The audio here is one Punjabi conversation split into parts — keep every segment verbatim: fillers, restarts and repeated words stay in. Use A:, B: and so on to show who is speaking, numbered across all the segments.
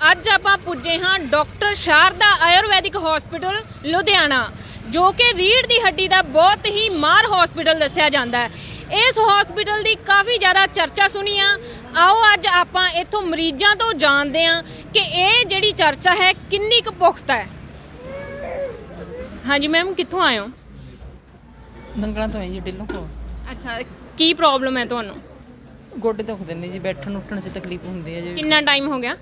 A: ਅੱਜ ਆਪਾਂ ਪੁੱਜੇ ਹਾਂ ਡਾਕਟਰ ਸ਼ਾਰਦਾ ਆਯੁਰਵੈਦਿਕ ਹਸਪੀਟਲ ਲੁਧਿਆਣਾ, ਜੋ ਕਿ ਰੀੜ੍ਹ ਦੀ ਹੱਡੀ ਦਾ ਬਹੁਤ ਹੀ ਮਾਹਰ ਹਸਪੀਟਲ ਦੱਸਿਆ ਜਾਂਦਾ ਹੈ। ਇਸ ਹਸਪੀਟਲ ਦੀ ਕਾਫੀ ਜ਼ਿਆਦਾ ਚਰਚਾ ਸੁਣੀ ਆ। ਆਓ ਅੱਜ ਆਪਾਂ ਇੱਥੋਂ ਮਰੀਜ਼ਾਂ ਤੋਂ ਜਾਣਦੇ ਹਾਂ ਕਿ ਇਹ ਜਿਹੜੀ ਚਰਚਾ ਹੈ ਕਿੰਨੀ ਕੁ ਪੁਖਤਾ ਹੈ। ਹਾਂਜੀ ਮੈਮ, ਕਿੱਥੋਂ ਆਏ ਹੋ?
B: ਨੰਗਲਾਂ ਤੋਂ ਆਈ ਜੀ, ਢਿੱਲੋਂ ਕੋਲ।
A: ਅੱਛਾ, ਕੀ ਪ੍ਰੋਬਲਮ ਹੈ ਤੁਹਾਨੂੰ?
B: ਗੋਡੇ ਦੁਖਦੇ ਨੇ ਜੀ, ਬੈਠਣ ਉੱਠਣ 'ਚ ਤਕਲੀਫ ਹੁੰਦੀ ਹੈ ਜੀ।
A: ਕਿੰਨਾ ਟਾਈਮ ਹੋ ਗਿਆ?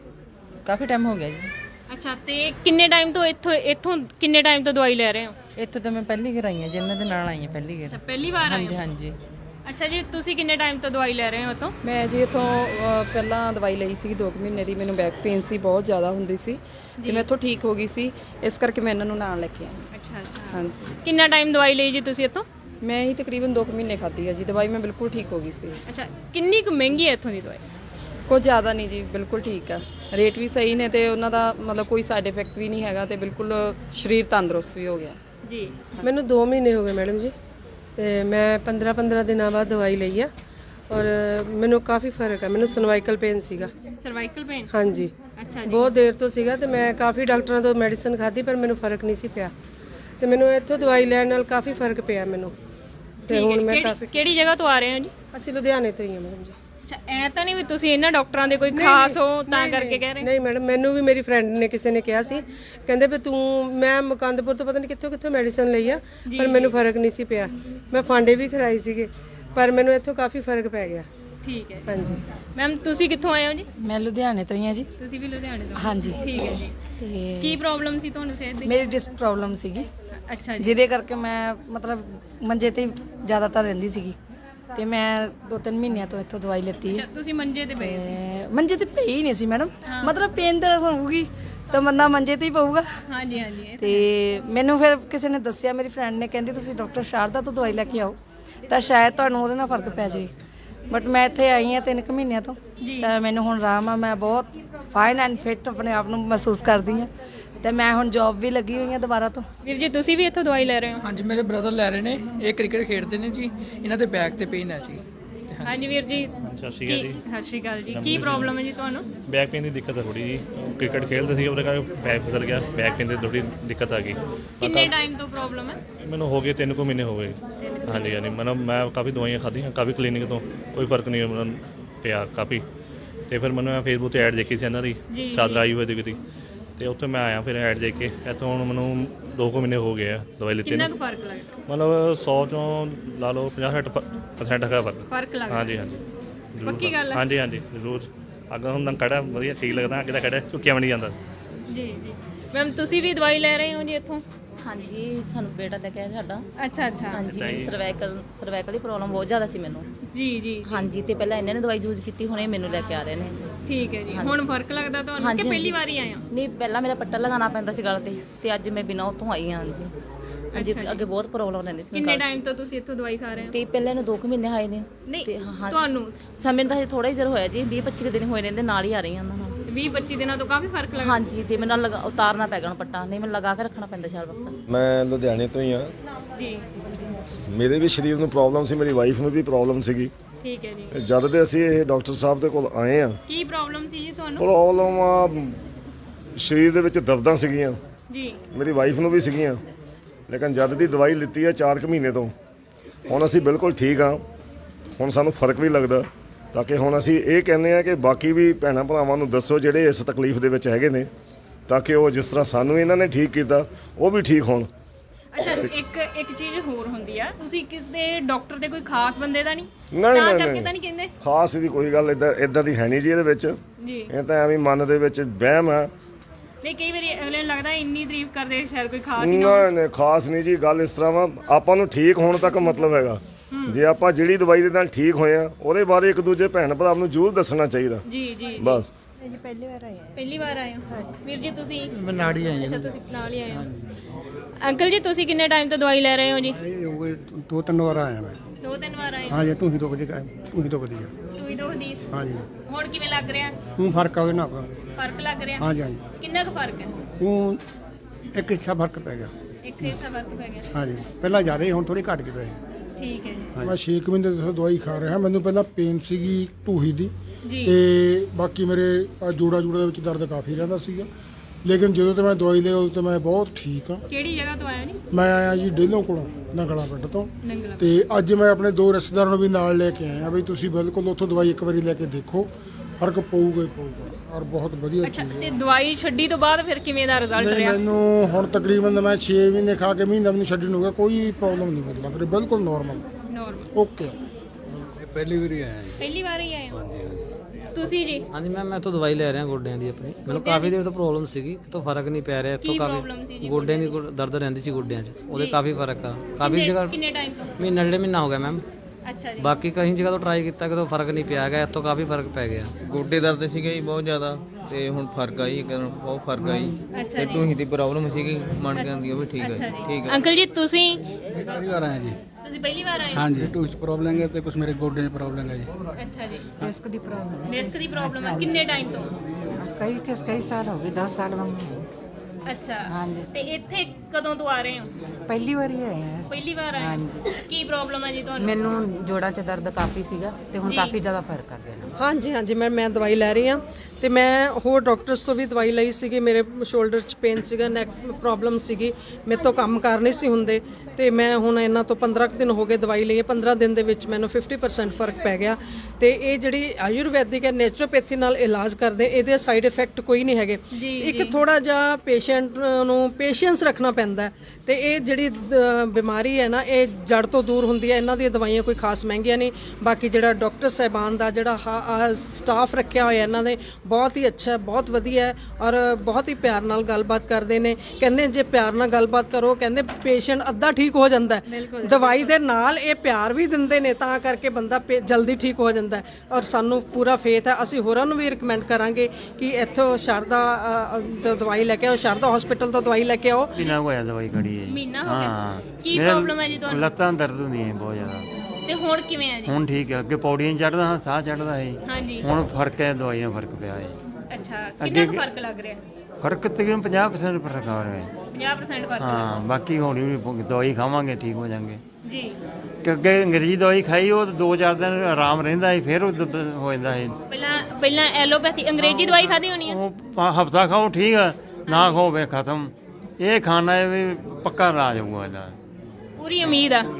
B: ਕਾਫੀ ਟਾਈਮ ਹੋ ਗਿਆ ਜੀ।
A: ਅੱਛਾ, ਤੇ ਕਿੰਨੇ ਟਾਈਮ ਤੋਂ ਇੱਥੋਂ ਇੱਥੋਂ ਕਿੰਨੇ ਟਾਈਮ ਤੋਂ ਦਵਾਈ ਲੈ ਰਹੇ ਹੋ?
B: ਇੱਥੇ ਤਾਂ ਮੈਂ ਪਹਿਲੀ ਵਾਰ ਆਈ ਹਾਂ ਜੀ, ਇਹਨਾਂ ਦੇ ਨਾਲ ਆਈ ਹਾਂ ਪਹਿਲੀ ਵਾਰ।
A: ਅੱਛਾ, ਪਹਿਲੀ ਵਾਰ ਆਏ
B: ਹਾਂਜੀ
A: ਹੋ?
B: ਹਾਂਜੀ।
A: ਅੱਛਾ ਜੀ, ਤੁਸੀਂ ਕਿੰਨੇ ਟਾਈਮ ਤੋਂ ਦਵਾਈ ਲੈ ਰਹੇ ਹੋ ਇੱਥੋਂ?
C: ਮੈਂ ਜੀ ਇੱਥੋਂ ਅ, ਪਹਿਲਾਂ ਦਵਾਈ ਲਈ ਸੀ ਦੋ ਕੁ ਮਹੀਨੇ ਦੀ। ਮੈਨੂੰ ਬੈਕ ਪੇਨ ਸੀ, ਬਹੁਤ ਜ਼ਿਆਦਾ ਹੁੰਦੀ ਸੀ ਤੇ ਮੈਂ ਇੱਥੋਂ ਠੀਕ ਹੋ ਗਈ ਸੀ, ਇਸ ਕਰਕੇ ਮੈਂ ਇਹਨਾਂ ਨੂੰ ਨਾਲ ਲੈ ਕੇ ਆਈ।
A: ਅੱਛਾ ਅੱਛਾ,
C: ਹਾਂਜੀ।
A: ਕਿੰਨਾ ਟਾਈਮ ਦਵਾਈ ਲਈ ਜੀ ਤੁਸੀਂ ਇੱਥੋਂ?
C: ਮੈਂ ਹੀ ਤਕਰੀਬਨ ਦੋ ਕੁ ਮਹੀਨੇ ਖਾਧੀ ਹੈ ਜੀ ਦਵਾਈ, ਮੈਂ ਬਿਲਕੁਲ ਠੀਕ ਹੋ ਗਈ ਸੀ।
A: ਅੱਛਾ, ਕਿੰਨੀ ਕੁ ਮਹਿੰਗੀ ਹੈ ਇੱਥੋਂ ਦੀ ਦਵਾਈ?
C: ਕੁਝ ਜ਼ਿਆਦਾ ਨਹੀਂ ਜੀ, ਬਿਲਕੁਲ ਠੀਕ ਆ। ਰੇਟ ਵੀ ਸਹੀ ਨੇ ਤੇ ਉਹਨਾਂ ਦਾ ਮਤਲਬ ਕੋਈ ਸਾਈਡ ਇਫੈਕਟ ਵੀ ਨਹੀਂ ਹੈਗਾ ਤੇ ਬਿਲਕੁਲ ਸਰੀਰ ਤੰਦਰੁਸਤ ਵੀ ਹੋ ਗਿਆ
A: ਜੀ।
D: ਮੈਨੂੰ ਦੋ ਮਹੀਨੇ ਹੋ ਗਏ ਮੈਡਮ ਜੀ, ਤੇ ਮੈਂ ਪੰਦਰਾਂ ਪੰਦਰਾਂ ਦਿਨਾਂ ਬਾਅਦ ਦਵਾਈ ਲਈ ਆ ਔਰ ਮੈਨੂੰ ਕਾਫੀ ਫਰਕ ਹੈ। ਮੈਨੂੰ ਸਰਵਾਈਕਲ ਪੇਨ ਸੀਗਾ।
A: Cervical pain?
D: ਹਾਂਜੀ,
A: ਅੱਛਾ ਜੀ।
D: ਬਹੁਤ ਦੇਰ ਤੋਂ ਸੀਗਾ ਤੇ ਮੈਂ ਕਾਫੀ ਡਾਕਟਰਾਂ ਤੋਂ ਮੈਡੀਸਨ ਖਾਧੀ ਪਰ ਮੈਨੂੰ ਫਰਕ ਨਹੀਂ ਸੀ ਪਿਆ, ਤੇ ਮੈਨੂੰ ਇੱਥੋਂ ਦਵਾਈ ਲੈਣ ਨਾਲ ਕਾਫੀ ਫਰਕ ਪਿਆ ਮੈਨੂੰ। ਤੇ ਹੁਣ ਮੈਂ ਕਾਫੀ।
A: ਕਿਹੜੀ ਜਗ੍ਹਾ ਤੋਂ ਆ ਰਹੇ ਹੋ ਜੀ?
D: ਅਸੀਂ ਲੁਧਿਆਣੇ ਤੋਂ ਹੀ ਹਾਂ ਮੈਡਮ ਜੀ।
A: ਅੱਛਾ, ਐ ਤਾਂ ਨਹੀਂ ਵੀ ਤੁਸੀਂ ਇਹਨਾਂ ਡਾਕਟਰਾਂ ਦੇ ਕੋਈ ਖਾਸ ਹੋ ਤਾਂ ਕਰਕੇ ਕਹਿ ਰਹੇ?
D: ਨਹੀਂ ਮੈਡਮ, ਮੈਨੂੰ ਵੀ ਮੇਰੀ ਫਰੈਂਡ ਨੇ ਕਿਸੇ ਨੇ ਕਿਹਾ ਸੀ, ਕਹਿੰਦੇ ਵੀ ਤੂੰ, ਮੈਂ ਮੁਕੰਦਪੁਰ ਤੋਂ ਪਤਾ ਨਹੀਂ ਕਿੱਥੋਂ ਕਿੱਥੋਂ ਮੈਡੀਸਨ ਲਈ ਆ ਪਰ ਮੈਨੂੰ ਫਰਕ ਨਹੀਂ ਸੀ ਪਿਆ। ਮੈਂ ਫਾਂਡੇ ਵੀ ਖਰਾਈ ਸੀਗੇ ਪਰ ਮੈਨੂੰ ਇੱਥੋਂ ਕਾਫੀ ਫਰਕ ਪੈ ਗਿਆ।
A: ਠੀਕ ਹੈ।
D: ਹਾਂਜੀ
A: ਮੈਮ, ਤੁਸੀਂ ਕਿੱਥੋਂ ਆਏ ਹੋ ਜੀ?
B: ਮੈਂ ਲੁਧਿਆਣੇ ਤੋਂ ਹੀ ਹਾਂ ਜੀ।
A: ਤੁਸੀਂ ਵੀ ਲੁਧਿਆਣੇ ਤੋਂ?
B: ਹਾਂਜੀ।
A: ਠੀਕ ਹੈ ਜੀ।
B: ਤੇ
A: ਕੀ ਪ੍ਰੋਬਲਮ ਸੀ ਤੁਹਾਨੂੰ ਸਿਹਤ ਦੀ?
B: ਮੇਰੀ ਡਿਸਕ ਪ੍ਰੋਬਲਮ ਸੀਗੀ,
A: ਅੱਛਾ ਜੀ।
B: ਜਿਹਦੇ ਕਰਕੇ ਮੈਂ ਮਤਲਬ ਮੰਜੇ ਤੇ ਹੀ ਜ਼ਿਆਦਾਤਰ ਰਹਿੰਦੀ ਸੀਗੀ ਤੇ ਮੈਂ ਦੋ ਤਿੰਨ ਮਹੀਨਿਆਂ ਤੋਂ ਇੱਥੋਂ ਦਵਾਈ ਲੈਤੀ ਹੈ।
A: ਅੱਛਾ, ਤੁਸੀਂ ਮੰਜੇ ਤੇ ਪਏ ਸੀ?
B: ਤੇ ਮੰਜੇ ਤੇ ਪਈ ਹੀ ਨਹੀਂ ਸੀ ਮੈਡਮ, ਮਤਲਬ ਪੇਨ ਤਾਂ ਹੋਊਗੀ ਤਾਂ ਬੰਦਾ ਮੰਜੇ ਤੇ ਹੀ ਪਊਗਾ।
A: ਹਾਂਜੀ ਹਾਂਜੀ।
B: ਤੇ ਮੈਨੂੰ ਫਿਰ ਕਿਸੇ ਨੇ ਦੱਸਿਆ, ਮੇਰੀ ਫਰੈਂਡ ਨੇ, ਕਹਿੰਦੀ ਤੁਸੀਂ ਡਾਕਟਰ ਸ਼ਾਰਦਾ ਤੋਂ ਦਵਾਈ ਲੈ ਕੇ ਆਓ ਤਾਂ ਸ਼ਾਇਦ ਤੁਹਾਨੂੰ ਉਹਦੇ ਨਾਲ ਫਰਕ ਪੈ ਜਾਵੇ। ਬਟ ਮੈਂ ਇੱਥੇ ਆਈ ਹਾਂ ਤਿੰਨ ਕੁ ਮਹੀਨਿਆਂ ਤੋਂ ਤਾਂ ਮੈਨੂੰ ਹੁਣ ਆਰਾਮ ਆ। ਮੈਂ ਬਹੁਤ ਫਾਈਨ ਐਂਡ ਫਿੱਟ ਆਪਣੇ ਆਪ ਨੂੰ ਮਹਿਸੂਸ ਕਰਦੀ ਹਾਂ ਤੇ ਮੈਂ ਹੁਣ ਜੌਬ ਵੀ ਲੱਗੀ ਹੋਈ ਹਾਂ ਦੁਬਾਰਾ ਤੋਂ।
A: ਵੀਰ ਜੀ, ਤੁਸੀਂ ਵੀ ਇੱਥੋਂ ਦਵਾਈ ਲੈ ਰਹੇ ਹੋ?
E: ਹਾਂਜੀ, ਮੇਰੇ ਬ੍ਰਦਰ ਲੈ ਰਹੇ ਨੇ। ਇਹ ਕ੍ਰਿਕਟ ਖੇਡਦੇ ਨੇ ਜੀ, ਇਹਨਾਂ ਦੇ ਬੈਕ ਤੇ ਪੇਨ ਹੈ ਜੀ।
A: ਹਾਂਜੀ ਵੀਰ ਜੀ।
F: ਸਤਿ ਸ਼੍ਰੀ ਅਕਾਲ ਜੀ।
A: ਸਤਿ ਸ਼੍ਰੀ ਅਕਾਲ ਜੀ। ਕੀ ਪ੍ਰੋਬਲਮ ਹੈ ਜੀ ਤੁਹਾਨੂੰ?
F: ਬੈਕ ਪੇਨ ਦੀ ਦਿੱਕਤ ਹੈ ਥੋੜੀ ਜੀ। ਕ੍ਰਿਕਟ ਖੇਡਦੇ ਸੀ, ਉਹਦੇ ਕਰਕੇ ਬੈਕ ਫਿਸਲ ਗਿਆ, ਬੈਕ ਪੇਨ ਦੀ ਥੋੜੀ ਦਿੱਕਤ ਆ ਗਈ।
A: ਕਿੰਨੇ ਟਾਈਮ ਤੋਂ ਪ੍ਰੋਬਲਮ ਹੈ?
F: ਮੈਨੂੰ ਹੋ ਗਏ ਤਿੰਨ ਕੁ ਮਹੀਨੇ ਹੋ ਗਏ। ਹਾਂਜੀ ਹਾਂਜੀ, ਮਤਲਬ ਮੈਂ ਕਾਫੀ ਦਵਾਈਆਂ ਖਾਧੀਆਂ, ਕਾਫੀ ਕਲੀਨਿਕ ਤੋਂ, ਕੋਈ ਫਰਕ ਨਹੀਂ ਮੈਨੂੰ ਪਿਆ ਕਾਫੀ। ਤੇ ਫਿਰ ਮੈਨੂੰ ਮੈਂ ਫੇਸਬੁੱਕ ਤੇ ਐਡ ਦੇਖੀ ਸੀ ਇਹਨਾਂ ਦੀ, ਸ਼ਾਰਦਾ ਆਯੁਰਵੈਦਿਕ ਦੀ, ਤੇ ਉੱਥੇ ਮੈਂ ਆਇਆ ਫਿਰ ਐਡ ਦੇਖ ਕੇ। ਇੱਥੋਂ ਹੁਣ ਮੈਨੂੰ ਦੋ ਕੁ ਮਹੀਨੇ ਹੋ ਗਏ ਆ ਦਵਾਈ ਲਿੱਤੀ
A: ਕਿੰਨਾ
F: ਨੂੰ।
A: ਕੁ ਫਰਕ ਲੱਗਦਾ?
F: ਮਤਲਬ ਸੌ ਚੋਂ ਲਾ ਲਓ ਪੰਜਾਹ ਸੱਠ ਪਰਸੈਂਟ ਹੈਗਾ ਫਰਕ।
A: ਫਰਕ ਲੱਗਦਾ?
F: ਹਾਂਜੀ ਹਾਂਜੀ, ਜ਼ਰੂਰ
A: ਪੱਕੀ ਗੱਲ ਹੈ?
F: ਹਾਂਜੀ ਹਾਂਜੀ ਜ਼ਰੂਰ। ਅੱਗੇ ਹੁਣ ਖੜਾ ਵਧੀਆ ਠੀਕ ਲੱਗਦਾ, ਅੱਗੇ ਤਾਂ ਖੜਾ ਝੁੱਕਿਆ ਵੀ ਨਹੀਂ ਜਾਂਦਾ।
A: ਜੀ ਜੀ। ਮੈਮ, ਤੁਸੀਂ ਵੀ ਦਵਾਈ ਲੈ ਰਹੇ ਹੋ ਜੀ ਇੱਥੋਂ?
G: ਹਾਂਜੀ, ਸਾਨੂੰ ਬੇਟਾ ਲੈ ਕੇ ਆਇਆ ਸਾਡਾ।
A: ਅੱਛਾ ਅੱਛਾ।
G: ਹਾਂਜੀ, ਮੈਨੂੰ ਸਰਵਾਈਕਲ ਸਰਵਾਈਕਲ ਦੀ ਪ੍ਰੋਬਲਮ ਬਹੁਤ ਜ਼ਿਆਦਾ ਸੀ ਮੈਨੂੰ।
A: ਜੀ ਜੀ।
G: ਹਾਂਜੀ, ਤੇ ਪਹਿਲਾਂ ਇਹਨਾਂ ਨੇ ਦਵਾਈ ਯੂਜ਼ ਕੀਤੀ, ਹੁਣੇ ਮੈਨੂੰ ਲੈ ਕੇ ਆ ਰਹੇ ਨੇ।
A: ਠੀਕ ਹੈ ਜੀ। ਹੁਣ ਫਰਕ ਲੱਗਦਾ ਤੁਹਾਨੂੰ ਕਿ ਪਹਿਲੀ ਵਾਰੀ ਆਏ ਹੋ?
G: ਨਹੀਂ, ਪਹਿਲਾਂ ਮੇਰਾ ਪੱਟਾ ਲਗਾਉਣਾ ਪੈਂਦਾ ਸੀ ਗਲ ਤੇ ਤੇ ਅੱਜ ਮੈਂ ਬਿਨਾਂ ਉੱਥੋਂ ਆਈ ਹਾਂ। ਹਾਂਜੀ ਹਾਂਜੀ, ਅੱਗੇ ਬਹੁਤ ਪ੍ਰੋਬਲਮ ਰਹਿੰਦੀ ਸੀ।
A: ਕਿੰਨੇ ਟਾਈਮ ਤੋਂ ਤੁਸੀਂ ਇੱਥੋਂ ਦਵਾਈ ਖਾ ਰਹੇ ਹੋ?
G: ਤੇ ਪਹਿਲਾਂ ਇਹਨੂੰ ਦੋ ਕੁ ਮਹੀਨੇ ਆਏ ਨੇ।
A: ਨਹੀਂ,
G: ਤੇ ਹਾਂ,
A: ਤੁਹਾਨੂੰ
G: ਸਮੇਂ ਦਾ ਹਜੇ ਥੋੜਾ ਹੀ ਜ਼ਰ ਹੋਇਆ ਜੀ, ਵੀਹ ਪੱਚੀ ਦਿਨ ਹੋਏ ਨੇ, ਨਾਲ ਹੀ ਆ ਰਹੀ ਹਾਂ ਉਹਨਾਂ ਨਾਲ।
A: ਵੀਹ ਪੱਚੀ ਦਿਨਾਂ ਤੋਂ ਕਾਫੀ ਫਰਕ ਲੱਗਦਾ?
G: ਹਾਂਜੀ, ਤੇ ਮੈਨੂੰ ਲਗਾ ਉਤਾਰਨਾ ਪੈ ਗਿਆ ਪੱਟਾ, ਨਹੀਂ ਮੈਨੂੰ ਲਗਾ ਕੇ ਰੱਖਣਾ ਪੈਂਦਾ ਚਾਰ ਵਕਤ।
H: ਮੈਂ ਲੁਧਿਆਣੇ ਤੋਂ ਹੀ ਹਾਂ
A: ਜੀ।
H: ਮੇਰੇ ਵੀ ਸਰੀਰ ਨੂੰ ਪ੍ਰੋਬਲਮ ਸੀ, ਮੇਰੀ ਵਾਈਫ ਨੂੰ ਵੀ ਪ੍ਰੋਬਲਮ ਸੀਗੀ।
A: ਠੀਕ ਹੈ ਜੀ।
H: ਜਦ ਦੇ ਅਸੀਂ ਇਹ ਡਾਕਟਰ ਸਾਹਿਬ ਦੇ ਕੋਲ ਆਏ ਆ,
A: ਕੀ ਪ੍ਰੋਬਲਮ ਸੀ ਜੀ ਤੁਹਾਨੂੰ?
H: ਪ੍ਰੋਬਲਮ ਆ ਸਰੀਰ ਦੇ ਵਿੱਚ ਦਰਦਾਂ ਸੀਗੀਆਂ,
A: ਜੀ।
H: ਮੇਰੀ ਵਾਈਫ ਨੂੰ ਵੀ ਸੀਗੀਆਂ, ਲੇਕਿਨ ਜਦ ਦੀ ਦਵਾਈ ਲਿੱਤੀ ਆ ਚਾਰ ਕੁ ਮਹੀਨੇ ਤੋਂ ਹੁਣ ਅਸੀਂ ਬਿਲਕੁਲ ਠੀਕ ਆ। ਹੁਣ ਸਾਨੂੰ ਫਰਕ ਵੀ ਲੱਗਦਾ, ਤਾਂ ਕਿ ਹੁਣ ਅਸੀਂ ਇਹ ਕਹਿੰਦੇ ਆ ਕਿ ਬਾਕੀ ਵੀ ਭੈਣਾਂ ਭਰਾਵਾਂ ਨੂੰ ਦੱਸੋ ਜਿਹੜੇ ਇਸ ਤਕਲੀਫ ਦੇ ਵਿੱਚ ਹੈਗੇ ਨੇ, ਤਾਂ ਕਿ ਉਹ ਜਿਸ ਤਰ੍ਹਾਂ ਸਾਨੂੰ ਇਹਨਾਂ ਨੇ ਠੀਕ ਕੀਤਾ ਉਹ ਵੀ ਠੀਕ ਹੋਣ।
A: ਅੱਛਾ, ਇੱਕ ਇੱਕ ਚੀਜ਼ ਹੋਰ ਹੁੰਦੀ ਆ, ਤੁਸੀਂ ਕਿਸੇ ਡਾਕਟਰ ਦੇ ਕੋਈ ਖਾਸ ਬੰਦੇ ਦਾ ਨਹੀਂ?
H: ਨਹੀਂ
A: ਤਾਂ
H: ਨਹੀਂ
A: ਕਰਕੇ
H: ਨਹੀਂ
A: ਤਾਂ ਨਹੀਂ ਕਹਿੰਦੇ?
H: ਖਾਸ ਦੀ ਕੋਈ ਗੱਲ ਇਦਾਂ ਇਦਾਂ ਦੀ ਹੈ ਨਹੀਂ ਜੀ ਇਹਦੇ ਵਿੱਚ।
A: ਜੀ।
H: ਇਹ ਤਾਂ ਐਵੇਂ ਮਨ ਦੇ ਵਿੱਚ ਵਹਿਮ ਆ।
A: ਨਹੀਂ, ਕਈ ਵਾਰੀ ਅਗਲੇ ਨੂੰ ਲੱਗਦਾ ਇੰਨੀ ਤਾਰੀਫ ਕਰਦੇ ਸ਼ਾਇਦ ਕੋਈ ਖਾਸ ਹੀ ਨਾ ਹੋਵੇ।
H: ਨਹੀਂ ਨਹੀਂ, ਖਾਸ ਨਹੀਂ ਜੀ। ਗੱਲ ਇਸ ਤਰ੍ਹਾਂ ਵਾ, ਆਪਾਂ ਨੂੰ ਠੀਕ ਹੋਣ ਤੱਕ ਮਤਲਬ ਹੈਗਾ। ਜੇ ਆਪਾਂ ਜਿਹੜੀ ਦਵਾਈ ਦੇ ਨਾਲ ਠੀਕ ਹੋਏ ਆ ਉਹਦੇ ਬਾਰੇ ਇੱਕ ਦੂਜੇ ਭੈਣ ਭਰਾ ਨੂੰ ਜ਼ਰੂਰ ਦੱਸਣਾ ਚਾਹੀਦਾ।
A: ਜੀ ਜੀ।
H: ਬਸ।
D: ਪਹਿਲੀ ਵਾਰ ਆਏ
A: ਪਹਿਲੀ ਵਾਰ ਆਏ ਹੋ ਵੀਰ ਜੀ? ਤੁਸੀਂ?
E: ਮੈਂ ਨਾਲ ਹੀ ਆਈ
A: ਅੱਛਾ, ਤੁਸੀਂ ਨਾਲ ਹੀ ਆਏ ਹੋ। ਅੰਕਲ ਜੀ, ਤੁਸੀਂ ਕਿੰਨੇ ਟਾਈਮ ਤੋਂ ਦਵਾਈ ਲੈ ਰਹੇ ਹੋ ਜੀ?
I: ਹਾਂ। ਦੋ ਤਿੰਨ ਵਾਰ ਆਇਆ ਮੈਂ।
A: ਦੋ ਤਿੰਨ ਵਾਰ ਆਏ?
I: ਹਾਂ ਜੀ, ਤੂੰ ਹੀ ਦੁਖਦੀ ਤੂੰ ਹੀ ਦੁਖਦੀ ਆ।
A: ਟੂਈ ਦੁਖਦੀ?
I: ਹਾਂ ਜੀ।
A: ਹੁਣ ਕਿਵੇਂ ਲੱਗ ਰਿਹਾ?
I: ਹੁਣ ਫਰਕ ਆ ਉਹਦੇ ਨਾਲ।
A: ਫਰਕ ਲੱਗ ਰਿਹਾ?
I: ਹਾਂ ਜੀ ਹਾਂ ਜੀ।
A: ਕਿੰਨਾ ਕੁ ਫਰਕ ਹੈ?
I: ਹੁਣ ਇੱਕ ਹਿੱਸਾ ਫਰਕ ਪੈ ਗਿਆ।
A: ਇੱਕ ਹਿੱਸਾ ਫਰਕ ਪੈ ਗਿਆ?
I: ਹਾਂ ਜੀ, ਪਹਿਲਾਂ ਜ਼ਿਆਦਾ ਹੀ, ਹੁਣ ਥੋੜੀ ਘਟ ਗਈ ਪਈ।
A: ਠੀਕ ਹੈ ਜੀ।
J: ਮੈਂ ਛੇ ਮਹੀਨੇ ਤੋਂ ਦਵਾਈ ਖਾ ਰਿਹਾ। ਮੈਨੂੰ ਪਹਿਲਾਂ ਪੇਨ ਸੀਗੀ ਢੂਹੀ ਦੀ,
I: ਤੇ ਬਾਕੀ ਮੇਰੇ ਆਹ ਜੋੜਾਂ ਜੋੜਾਂ ਦੇ ਵਿੱਚ ਦਰਦ ਕਾਫੀ ਰਹਿੰਦਾ ਸੀਗਾ, ਲੇਕਿਨ ਜਦੋਂ ਤੋਂ ਮੈਂ ਦਵਾਈ ਲਈ ਉਦੋਂ ਤੋਂ ਮੈਂ ਬਹੁਤ ਠੀਕ ਹਾਂ।
A: ਕਿਹੜੀ ਜਗ੍ਹਾ ਤੋਂ ਆਇਆ ਨਹੀਂ?
I: ਮੈਂ ਆਇਆ ਜੀ ਡੇਲੋਂ ਕੋਲੋਂ, ਨੰਗਲਾ ਪਿੰਡ ਤੋਂ,
A: ਨੰਗਲਾ।
I: ਤੇ ਅੱਜ ਮੈਂ ਆਪਣੇ ਦੋ ਰਿਸ਼ਤੇਦਾਰਾਂ ਨੂੰ ਵੀ ਨਾਲ ਲੈ ਕੇ ਆਇਆ ਵੀ ਤੁਸੀਂ ਬਿਲਕੁਲ ਉੱਥੋਂ ਦਵਾਈ ਇੱਕ ਵਾਰੀ ਲੈ ਕੇ ਦੇਖੋ, ਫਰਕ ਪਊਗਾ ਹੀ ਪਊਗਾ, ਔਰ ਬਹੁਤ ਵਧੀਆ
A: ਅੱਛਾ,
I: ਚੀਜ਼ ਹੈ।
A: ਤੇ ਦਵਾਈ ਛੱਡੀ ਤੋਂ ਬਾਅਦ ਫਿਰ ਕਿਵੇਂ ਦਾ ਰਿਜ਼ਲਟ
I: ਨਹੀਂ,
A: ਰਿਹਾ?
I: ਮੈਨੂੰ ਹੁਣ ਤਕਰੀਬਨ ਮੈਂ ਛੇ ਮਹੀਨੇ ਖਾ ਕੇ ਮਹੀਨਾ ਮੈਨੂੰ ਛੱਡਣ ਹੋ ਗਿਆ, ਕੋਈ ਪ੍ਰੋਬਲਮ ਨਹੀਂ ਮੈਨੂੰ ਲੱਗ ਰਹੀ, ਬਿਲਕੁਲ ਨਾਰਮਲ
A: ਨਾਰਮਲ।
I: ਓਕੇ।
J: ਪਹਿਲੀ ਵਾਰੀ ਆਇਆ ਜੀ।
A: ਪਹਿਲੀ ਵਾਰ ਹੀ ਆਏ ਹੋ?
J: ਹਾਂਜੀ ਹਾਂਜੀ।
A: ਤੁਸੀਂ ਜੀ?
J: ਹਾਂਜੀ ਮੈਮ, ਮੈਂ ਇੱਥੋਂ ਦਵਾਈ ਲੈ ਰਿਹਾ ਗੋਡਿਆਂ ਦੀ ਆਪਣੀ। ਮੈਨੂੰ ਕਾਫੀ ਦੇਰ ਤੋਂ ਪ੍ਰੋਬਲਮ ਸੀਗੀ, ਕਿਤੋਂ ਫਰਕ ਨਹੀਂ ਪੈ ਰਿਹਾ। ਇੱਥੋਂ
A: problem ਸੀ
J: ਕਾਫੀ ਗੋਡਿਆਂ ਦੀ ਗੋ- ਦਰਦ ਰਹਿੰਦੀ ਸੀ ਗੋਡਿਆਂ 'ਚ, ਉਹਦੇ ਕਾਫੀ ਫਰਕ ਆ। ਕਾਫੀ ਜਗ੍ਹਾ
A: ਕਿੰਨੇ ਟਾਈਮ ਤੋਂ?
J: ਮਹੀਨਾ ਡੇਢ ਮਹੀਨਾ ਹੋ ਗਿਆ ਮੈਮ।
A: ਅੱਛਾ ਜੀ।
J: ਬਾਕੀ ਕਈ ਜਗ੍ਹਾ ਤੋਂ ਟਰਾਈ ਕੀਤਾ, ਕਿਤੋਂ ਫਰਕ ਨਹੀਂ ਪਿਆ ਹੈਗਾ। ਇੱਥੋਂ ਕਾਫੀ ਫਰਕ ਪੈ ਗਿਆ।
K: ਗੋਡੇ ਦਰਦ ਸੀਗੇ ਜੀ ਬਹੁਤ ਜ਼ਿਆਦਾ, ਤੇ ਹੁਣ ਫਰਕ ਆਈ, ਬਹੁਤ ਫਰਕ ਆਈ।
A: ਅੱਛਾ
K: ਤੇ
A: ਜੀ।
K: ਢੂਹੀ ਦੀ ਪ੍ਰੋਬਲਮ ਸੀਗੀ, ਮਣ ਕੇ ਆਉਂਦੀ ਉਹ ਵੀ ਠੀਕ ਹੈ ਜੀ। ਠੀਕ ਹੈ
A: ਅੰਕਲ ਜੀ ਤੁਸੀਂ
J: ਪਹਿਲੀ ਵਾਰ ਆਇਆ ਜੀ।
A: ਤੁਸੀਂ ਪਹਿਲੀ ਵਾਰ ਆਏ ਹੋ?
J: ਹਾਂਜੀ, ਢੂਹੀ 'ਚ ਪ੍ਰੋਬਲਮ ਹੈ ਤੇ ਕੁਝ ਮੇਰੇ ਗੋਡੇ 'ਚ ਪ੍ਰੋਬਲਮ ਹੈ ਜੀ।
A: ਅੱਛਾ ਜੀ।
B: ਡਿਸਕ ਦੀ ਪ੍ਰੋਬਲਮ
A: ਡਿਸਕ ਦੀ ਪ੍ਰੋਬਲਮ ਹੈ, ਕਿੰਨੇ ਟਾਈਮ ਤੋਂ?
B: ਕਈ ਕਿਸ ਕਈ ਸਾਲ ਹੋ ਗਏ, ਦਸ ਸਾਲ ਵਾਂਗੂ।
A: ਅੱਛਾ।
B: ਹਾਂਜੀ।
A: ਤੇ ਇੱਥੇ ਕਦੋਂ ਤੋਂ ਆ ਰਹੇ ਹੋ?
B: ਪਹਿਲੀ ਵਾਰੀ ਆਏ ਆ।
A: ਪਹਿਲੀ ਵਾਰ ਆਏ?
B: ਹਾਂਜੀ।
A: ਕੀ ਪ੍ਰੋਬਲਮ ਹੈ ਜੀ ਤੁਹਾਨੂੰ?
B: ਮੈਨੂੰ ਜੋੜਾਂ 'ਚ ਦਰਦ ਕਾਫੀ ਸੀਗਾ ਤੇ ਹੁਣ ਕਾਫੀ ਜ਼ਿਆਦਾ ਫਰਕ ਆ ਗਿਆ।
C: ਹਾਂਜੀ ਹਾਂਜੀ ਮੈਂ ਮੈਂ ਦਵਾਈ ਲੈ ਰਹੀ ਹਾਂ, ਤੇ ਮੈਂ ਹੋਰ ਡਾਕਟਰਸ ਤੋਂ ਵੀ ਦਵਾਈ ਲਈ ਸੀਗੀ। ਮੇਰੇ ਸ਼ੋਲਡਰ 'ਚ ਪੇਨ ਸੀਗਾ, ਨੈਕ ਪ੍ਰੋਬਲਮ ਸੀਗੀ, ਮੇਰੇ ਤੋਂ ਕੰਮ ਕਰ ਨਹੀਂ ਸੀ ਹੁੰਦੇ, ਤੇ ਮੈਂ ਹੁਣ ਇਹਨਾਂ ਤੋਂ ਪੰਦਰਾਂ ਕੁ ਦਿਨ ਹੋ ਗਏ ਦਵਾਈ ਲਈ। ਪੰਦਰਾਂ ਦਿਨ ਦੇ ਵਿੱਚ ਮੈਨੂੰ ਫਿਫਟੀ ਪਰਸੈਂਟ ਫਰਕ ਪੈ ਗਿਆ। ਤੇ ਇਹ ਜਿਹੜੀ ਆਯੁਰਵੈਦਿਕ ਹੈ, ਨੈਚੁਰੋਪੈਥੀ ਨਾਲ ਇਲਾਜ ਕਰਦੇ, ਇਹਦੇ ਸਾਈਡ ਇਫੈਕਟ ਕੋਈ ਨਹੀਂ ਹੈਗੇ। ਇੱਕ ਥੋੜਾ ਜਿਹਾ ਪੇਸ਼ੈਂਟ ਨੂੰ ਪੇਸ਼ੈਂਸ ਰੱਖਣਾ ਪੈਂਦਾ ਹੈ, ਤੇ ਇਹ ਜਿਹੜੀ ਦ- ਬਿਮਾਰੀ ਹੈ ਨਾ, ਇਹ ਜੜ ਤੋਂ ਦੂਰ ਹੁੰਦੀ ਹੈ। ਇਹਨਾਂ ਦੀਆਂ ਦਵਾਈਆਂ ਕੋਈ ਖਾਸ ਮਹਿੰਗੀਆਂ ਨਹੀਂ। ਬਾਕੀ ਜਿਹੜਾ ਡਾਕਟਰ ਸਾਹਿਬਾਨ ਦਾ ਜਿਹੜਾ ਸਟਾਫ ਰੱਖਿਆ ਹੋਇਆ ਇਹਨਾਂ ਨੇ, ਬਹੁਤ ਹੀ ਅੱਛਾ, ਬਹੁਤ ਵਧੀਆ ਹੈ, ਔਰ ਬਹੁਤ ਹੀ ਪਿਆਰ ਨਾਲ ਗੱਲਬਾਤ ਕਰਦੇ ਨੇ। ਕਹਿੰਦੇ ਜੇ ਪਿਆਰ ਨਾਲ ਗੱਲਬਾਤ ਕਰੋ, ਕਹਿੰਦੇ ਪੇਸ਼ੈਂਟ ਅੱਧਾ ਠੀਕ ਹੋ ਜਾਂਦਾ ਹੈ। ਦਵਾਈ ਦੇ ਨਾਲ ਇਹ ਪਿਆਰ ਵੀ ਦਿੰਦੇ ਨੇ, ਤਾਂ ਕਰਕੇ ਬੰਦਾ ਪੇ- ਜਲਦੀ ਠੀਕ ਹੋ ਜਾਂਦਾ ਹੈ। ਔਰ ਸਾਨੂੰ ਪੂਰਾ ਫੇਥ ਹੈ, ਅਸੀਂ ਹੋਰਾਂ ਨੂੰ ਵੀ ਰਿਕਮੈਂਡ ਕਰਾਂਗੇ ਕਿ ਇੱਥੋਂ ਸ਼ਾਰਦਾ ਅ, ਤੋਂ ਦਵਾਈ ਲੈ ਕੇ ਆਓ, ਸ਼ਾਰਦਾ ਹਸਪੀਟਲ ਤੋਂ ਦਵਾਈ ਲੈ ਕੇ ਆਓ।
L: ਮਹੀਨਾ ਹੋਇਆ ਦਵਾਈ ਖੜੀ ਹੈ ਜੀ।
A: ਮਹੀਨਾ ਹੋ ਗਿਆ?
L: ਹਾਂ।
A: ਕੀ
L: ਮੇਰੇ
A: ਪ੍ਰੋਬਲਮ ਹੈ ਜੀ ਤੁਹਾਨੂੰ?
L: ਲੱਤਾਂ ਦਰਦ ਹੁੰਦੀਆਂ ਬਹੁਤ ਜ਼ਿਆਦਾ।
A: ਤੇ ਹੁਣ ਕਿਵੇਂ ਹੈ ਜੀ?
L: ਹੁਣ ਠੀਕ ਹੈ। ਅੱਗੇ ਪੌੜੀਆਂ ਚੜਦਾ ਹਾਂ, ਸਾਹ ਚੜਦਾ ਹੈ।
A: ਹਾਂਜੀ।
L: ਹੁਣ ਫਰਕ ਹੈ, ਦਵਾਈ ਨਾਲ ਫਰਕ ਪਿਆ ਹੈ।
A: ਅੱਛਾ, ਕਿੰਨਾ ਕੁ ਫਰਕ ਲੱਗ ਰਿਹਾ?
L: ਫਰਕ ਤਕਰੀਬਨ ਪੰਜਾਹ ਪ੍ਰਸੈਂਟ ਫਰਕ ਆ ਰਿਹਾ ਹੈ।
A: ਪੰਜਾਹ ਪ੍ਰਸੈਂਟ ਫਰਕ?
L: ਹਾਂ, ਬਾਕੀ ਹੌਲੀ ਹੌਲੀ ਦਵਾਈ ਖਾਵਾਂਗੇ ਠੀਕ ਹੋ ਜਾਵਾਂਗੇ
A: ਜੀ।
L: ਕਿ ਅੱਗੇ ਅੰਗਰੇਜ਼ੀ ਦਵਾਈ ਖਾਈ, ਉਹ ਦੋ ਚਾਰ ਦਿਨ ਆਰਾਮ ਰਹਿੰਦਾ ਹੈ, ਫਿਰ ਉਹ ਦ- ਦ- ਹੋ ਜਾਂਦਾ ਹੈ।
A: ਪਹਿਲਾਂ ਪਹਿਲਾਂ ਐਲੋਪੈਥੀ ਅੰਗਰੇਜ਼ੀ ਦਵਾਈ ਖਾਦੀ ਹੋਣੀ ਹੈ?
L: ਉਹ ਹਫਤਾ ਖਾਓ ਠੀਕ ਆ, ਨਾ ਖਾਓ ਵੇ ਖਤਮ। ਇਹ ਖਾਣਾ ਹੈ ਵੀ ਪੱਕਾ ਇਲਾਜ ਹੋਊਗਾ ਇਹਦਾ।
A: ਪੂਰੀ ਉਮੀਦ ਆ?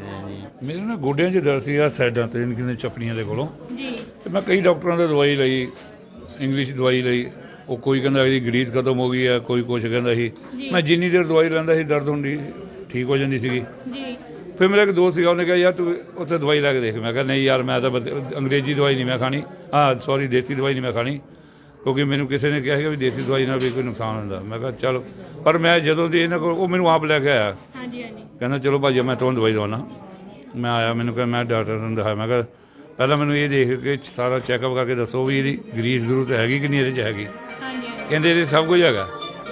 M: ਮੇਰੇ ਨਾ ਗੋਡਿਆਂ 'ਚ ਦਰਦ ਸੀ, ਆ ਸਾਈਡਾਂ ਤੇ ਕਿੰਨੇ ਚੱਪੜੀਆਂ ਦੇ ਕੋਲੋਂ।
A: ਜੀ।
M: ਤੇ ਮੈਂ ਕਈ ਡਾਕਟਰਾਂ ਤੋਂ ਦਵਾਈ ਲਈ, ਇੰਗਲਿਸ਼ ਦਵਾਈ ਲਈ। ਉਹ ਕੋਈ ਕਹਿੰਦਾ ਇਹਦੀ ਗਰੀਸ ਖਤਮ ਹੋ ਗਈ ਹੈ, ਕੋਈ ਕੁਛ ਕਹਿੰਦਾ ਸੀ। ਮੈਂ ਜਿੰਨੀ ਦੇਰ ਦਵਾਈ ਲੈਂਦਾ ਸੀ, ਦਰਦ ਹੁੰਦੀ ਠੀਕ ਹੋ ਜਾਂਦੀ ਸੀਗੀ।
A: ਜੀ।
M: ਫਿਰ ਮੇਰਾ ਇੱਕ ਦੋਸਤ ਸੀਗਾ, ਉਹਨੇ ਕਿਹਾ ਯਾਰ ਤੂੰ ਉੱਥੇ ਦਵਾਈ ਲੈ ਕੇ ਦੇਖ। ਮੈਂ ਕਿਹਾ ਨਹੀਂ ਯਾਰ, ਮੈਂ ਤਾਂ ਬਦ- ਅੰਗਰੇਜ਼ੀ ਦਵਾਈ ਨਹੀਂ ਮੈਂ ਖਾਣੀ, ਹਾਂ ਸੌਰੀ ਦੇਸੀ ਦਵਾਈ ਨਹੀਂ ਮੈਂ ਖਾਣੀ, ਕਿਉਂਕਿ ਮੈਨੂੰ ਕਿਸੇ ਨੇ ਕਿਹਾ ਸੀਗਾ ਵੀ ਦੇਸੀ ਦਵਾਈ ਨਾਲ ਵੀ ਕੋਈ ਨੁਕਸਾਨ ਹੁੰਦਾ। ਮੈਂ ਕਿਹਾ ਚਲੋ, ਪਰ ਮੈਂ ਜਦੋਂ ਦੀ ਇਹਨਾਂ ਕੋਲ, ਉਹ ਮੈਨੂੰ ਆਪ ਲੈ ਕੇ ਆਇਆ।
A: ਹਾਂਜੀ ਹਾਂਜੀ।
M: ਕਹਿੰਦਾ ਚਲੋ ਭਾਜੀ ਮੈਂ ਤੁਹਾਨੂੰ ਦਵਾਈ ਦਵਾਉਣਾ। ਮੈਂ ਆਇਆ, ਮੈਨੂੰ ਕਿਹਾ ਮੈਂ ਡਾਕਟਰ ਨੂੰ ਦਿਖਾਇਆ। ਮੈਂ ਕਿਹਾ ਪਹਿਲਾਂ ਮੈਨੂੰ ਇਹ ਦੇਖ ਕੇ ਸਾਰਾ ਚੈੱਕਅਪ ਕਰਕੇ ਦੱਸੋ ਵੀ ਇਹਦੀ ਗਰੀਸ ਗਰੂਸ ਹੈਗੀ ਕਿ ਨਹੀਂ ਇਹਦੇ 'ਚ ਹੈਗੀ। ਕਹਿੰਦੇ ਇਹਦੇ ਸਭ ਕੁਝ ਹੈਗਾ।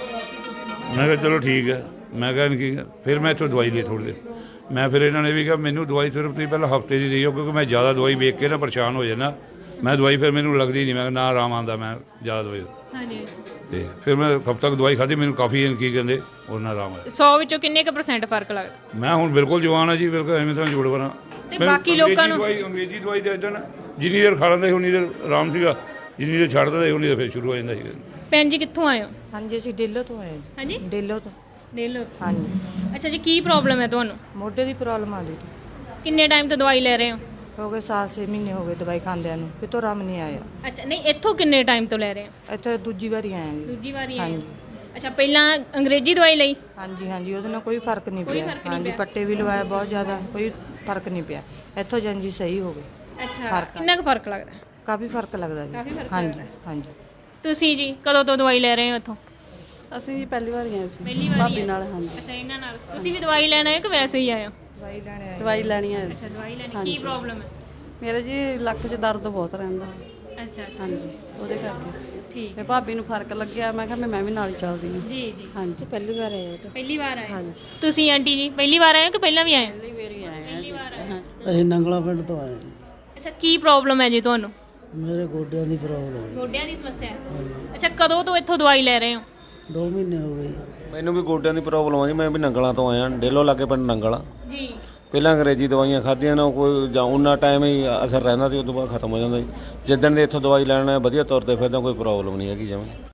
M: ਮੈਂ ਕਿਹਾ ਚਲੋ ਠੀਕ ਹੈ। ਮੈਂ ਕਿਹਾ ਕੀ, ਫਿਰ ਮੈਂ ਇੱਥੋਂ ਦਵਾਈ ਲਈ ਥੋੜ੍ਹੀ ਦੇਰ। ਮੈਂ ਫਿਰ ਇਹਨਾਂ ਨੇ ਵੀ ਕਿਹਾ ਮੈਨੂੰ ਦਵਾਈ ਸਿਰਫ ਤੁਸੀਂ ਪਹਿਲਾਂ ਹਫਤੇ ਦੀ ਦਿਓ, ਕਿਉਂਕਿ ਮੈਂ ਜ਼ਿਆਦਾ ਦਵਾਈ ਵੇਖ ਕੇ ਨਾ ਪਰੇਸ਼ਾਨ ਹੋ ਜਾਂਦਾ। ਮੈਂ ਦਵਾਈ ਫਿਰ ਮੈਨੂੰ ਲੱਗਦੀ ਨਹੀਂ, ਮੈਂ ਨਾ ਆਰਾਮ ਆਉਂਦਾ ਮੈਂ ਜ਼ਿਆਦਾ ਦਵਾਈ। ਹਾਂਜੀ। ਤੇ ਫਿਰ ਮੈਂ ਹਫ਼ਤਾ ਤੱਕ ਦਵਾਈ ਖਾਧੀ, ਮੈਨੂੰ ਕਾਫੀ ਕੀ ਕਹਿੰਦੇ ਉਹਦੇ ਨਾਲ ਆਰਾਮ ਆਇਆ।
A: ਸੌ ਵਿੱਚੋਂ ਕਿੰਨੇ ਕੁ ਪਰਸੈਂਟ ਫਰਕ ਲੱਗਦਾ?
M: ਮੈਂ ਹੁਣ ਬਿਲਕੁਲ ਜਵਾਨ ਆ ਜੀ, ਬਿਲਕੁਲ ਐਵੇਂ ਤਾਂ ਜੋੜ ਬਣਾ।
A: ਤੇ ਬਾਕੀ ਲੋਕਾਂ ਨੂੰ
M: ਦਵਾਈ ਅੰਗਰੇਜ਼ੀ ਦਵਾਈ ਦੇ ਦਿੰਦਾ ਨਾ, ਜਿੰਨੀ ਦੇਰ ਖਾ ਲੈਂਦਾ ਸੀ ਉਨੀ ਦੇਰ ਆਰਾਮ ਸੀਗਾ, ਜਿੰਨੀ ਦੇਰ ਛੱਡ ਦਿੰਦਾ ਸੀ ਉਨੀ ਦੇਰ ਫਿਰ ਸ਼ੁਰੂ ਹੋ ਜਾਂਦਾ ਸੀ।
A: ਭੈਣ ਜੀ ਕਿੱਥੋਂ ਆਏ ਹੋ?
B: ਹਾਂਜੀ, ਅਸੀਂ ਡੇਲੋ ਤੋਂ ਆਏ।
A: ਹਾਂਜੀ,
B: ਡੇਲੋ ਤੋਂ।
A: ਡੇਲੋ।
B: ਹਾਂਜੀ।
A: ਅੱਛਾ ਜੀ, ਕੀ ਪ੍ਰੋਬਲਮ ਹੈ ਤੁਹਾਨੂੰ?
B: ਮੋਢੇ ਦੀ ਪ੍ਰੋਬਲਮ ਆਦੀ ਸੀ।
A: ਕਿੰਨੇ ਟਾਈਮ ਤੋਂ ਦਵਾਈ ਲੈ ਰਹੇ ਹੋ?
B: ਹੋ ਗਏ ਸਾਤ ਛੇ ਮਹੀਨੇ ਹੋ ਗਏ ਦਵਾਈ ਖਾਂਦਿਆਂ ਨੂੰ, ਕਿਤੋਂ ਆਰਾਮ ਨਹੀਂ ਆਇਆ।
A: ਅੱਛਾ, ਨਹੀਂ ਇੱਥੋਂ ਕਿੰਨੇ ਟਾਈਮ ਤੋਂ ਲੈ ਰਹੇ ਹੋ?
B: ਇੱਥੇ ਦੂਜੀ ਵਾਰੀ ਆਏ ਜੀ।
A: ਦੂਜੀ ਵਾਰੀ ਆਏ? ਅੱਛਾ, ਪਹਿਲਾਂ ਅੰਗਰੇਜ਼ੀ ਦਵਾਈ ਲਈ?
B: ਹਾਂਜੀ ਹਾਂਜੀ, ਉਹਦੇ ਨਾਲ ਕੋਈ ਫਰਕ ਨਹੀਂ ਪਿਆ। ਹਾਂਜੀ, ਪੱਟੇ ਵੀ ਲਵਾਏ ਬਹੁਤ ਜ਼ਿਆਦਾ, ਕੋਈ ਫਰਕ ਨਹੀਂ ਪਿਆ। ਇੱਥੋਂ ਜਾਂਜੀ ਸਹੀ ਹੋ ਗਏ।
A: ਅੱਛਾ, ਕਿੰਨਾ ਕੁ ਫਰਕ ਲੱਗਦਾ?
B: ਕਾਫੀ ਫਰਕ ਲੱਗਦਾ ਜੀ। ਹਾਂਜੀ ਹਾਂਜੀ।
A: ਤੁਸੀਂ ਜੀ ਕਦੋਂ ਤੋਂ ਦਵਾਈ ਲੈ ਰਹੇ ਹੋ ਇੱਥੋਂ?
B: ਅਸੀਂ ਜੀ ਪਹਿਲੀ ਵਾਰ ਆਏ ਸੀ
A: ਪਹਿਲੀ ਵਾਰ
B: ਭਾਬੀ ਨਾਲ। ਹਾਂਜੀ।
A: ਅੱਛਾ, ਇਹਨਾਂ ਨਾਲ ਤੁਸੀਂ ਵੀ ਦਵਾਈ ਲੈਣ ਆਏ ਕਿ ਵੈਸੇ ਹੀ ਆਏ ਹੋ?
B: ਦਵਾਈ ਲੈਣੀ ਆਏ। ਦਵਾਈ ਲੈਣੀ ਆਏ।
A: ਅੱਛਾ, ਦਵਾਈ ਲੈਣੀ। ਕੀ ਪ੍ਰੋਬਲਮ ਹੈ?
B: ਮੇਰੇ ਜੀ ਲੱਕ 'ਚ ਦਰਦ ਬਹੁਤ ਰਹਿੰਦਾ।
A: ਅੱਛਾ।
B: ਹਾਂਜੀ, ਉਹਦੇ ਕਰਕੇ।
A: ਠੀਕ।
B: ਤੇ ਭਾਬੀ ਨੂੰ ਫਰਕ ਲੱਗਿਆ, ਮੈਂ ਕਿਹਾ ਮੈਂ ਵੀ ਨਾਲ ਹੀ ਚੱਲਦੀ ਹਾਂ।
A: ਜੀ ਜੀ।
B: ਹਾਂਜੀ, ਪਹਿਲੀ ਵਾਰ ਆਏ।
A: ਪਹਿਲੀ ਵਾਰ ਆਏ? ਹਾਂਜੀ। ਤੁਸੀਂ ਆਂਟੀ ਜੀ ਪਹਿਲੀ ਵਾਰ ਆਏ ਹੋ ਕਿ ਪਹਿਲਾਂ ਵੀ ਆਏ?
B: ਪਹਿਲੀ ਵਾਰੀ ਆਏ।
A: ਪਹਿਲੀ ਵਾਰ ਆਏ।
J: ਅਸੀਂ ਨੰਗਲਾ ਪਿੰਡ ਤੋਂ ਆਏ।
A: ਅੱਛਾ, ਕੀ ਪ੍ਰੋਬਲਮ ਹੈ ਜੀ ਤੁਹਾਨੂੰ?
J: ਮੇਰੇ ਗੋਡਿਆਂ ਦੀ ਪ੍ਰੋਬਲਮ ਹੈ।
A: ਗੋਡਿਆਂ ਦੀ ਸਮੱਸਿਆ ਹੈ? ਅੱਛਾ, ਕਦੋਂ ਤੋਂ ਇੱਥੋਂ ਦਵਾਈ ਲੈ ਰਹੇ ਹੋ?
J: ਦੋ ਮਹੀਨੇ ਹੋ ਗਏ।
K: ਮੈਨੂੰ ਵੀ ਗੋਡਿਆਂ ਦੀ ਪ੍ਰੋਬਲਮ ਆ ਜੀ। ਮੈਂ ਵੀ ਨੰਗਲਾਂ ਤੋਂ ਆਇਆ, ਡੇਲੋ ਲਾਗੇ ਪਿੰਡ ਨੰਗਲਾ।
A: ਜੀ।
N: ਪਹਿਲਾਂ ਅੰਗਰੇਜ਼ੀ ਦਵਾਈਆਂ ਖਾਧੀਆਂ ਨਾ ਕੋਈ ਜਾਂ ਉਹਨਾਂ ਟਾਈਮ ਹੀ ਅਸਰ ਰਹਿੰਦਾ ਸੀ, ਉਸ ਤੋਂ ਬਾਅਦ ਖਤਮ ਹੋ ਜਾਂਦਾ ਜੀ। ਜਿੱਦਣ ਦੇ ਇੱਥੋਂ ਦਵਾਈ ਲੈਣਾ ਵਧੀਆ ਤੌਰ ਤੇ ਫਿਰਦਾ ਕੋਈ ਪ੍ਰੋਬਲਮ ਨਹੀਂ ਹੈਗੀ ਜਮਾਂ।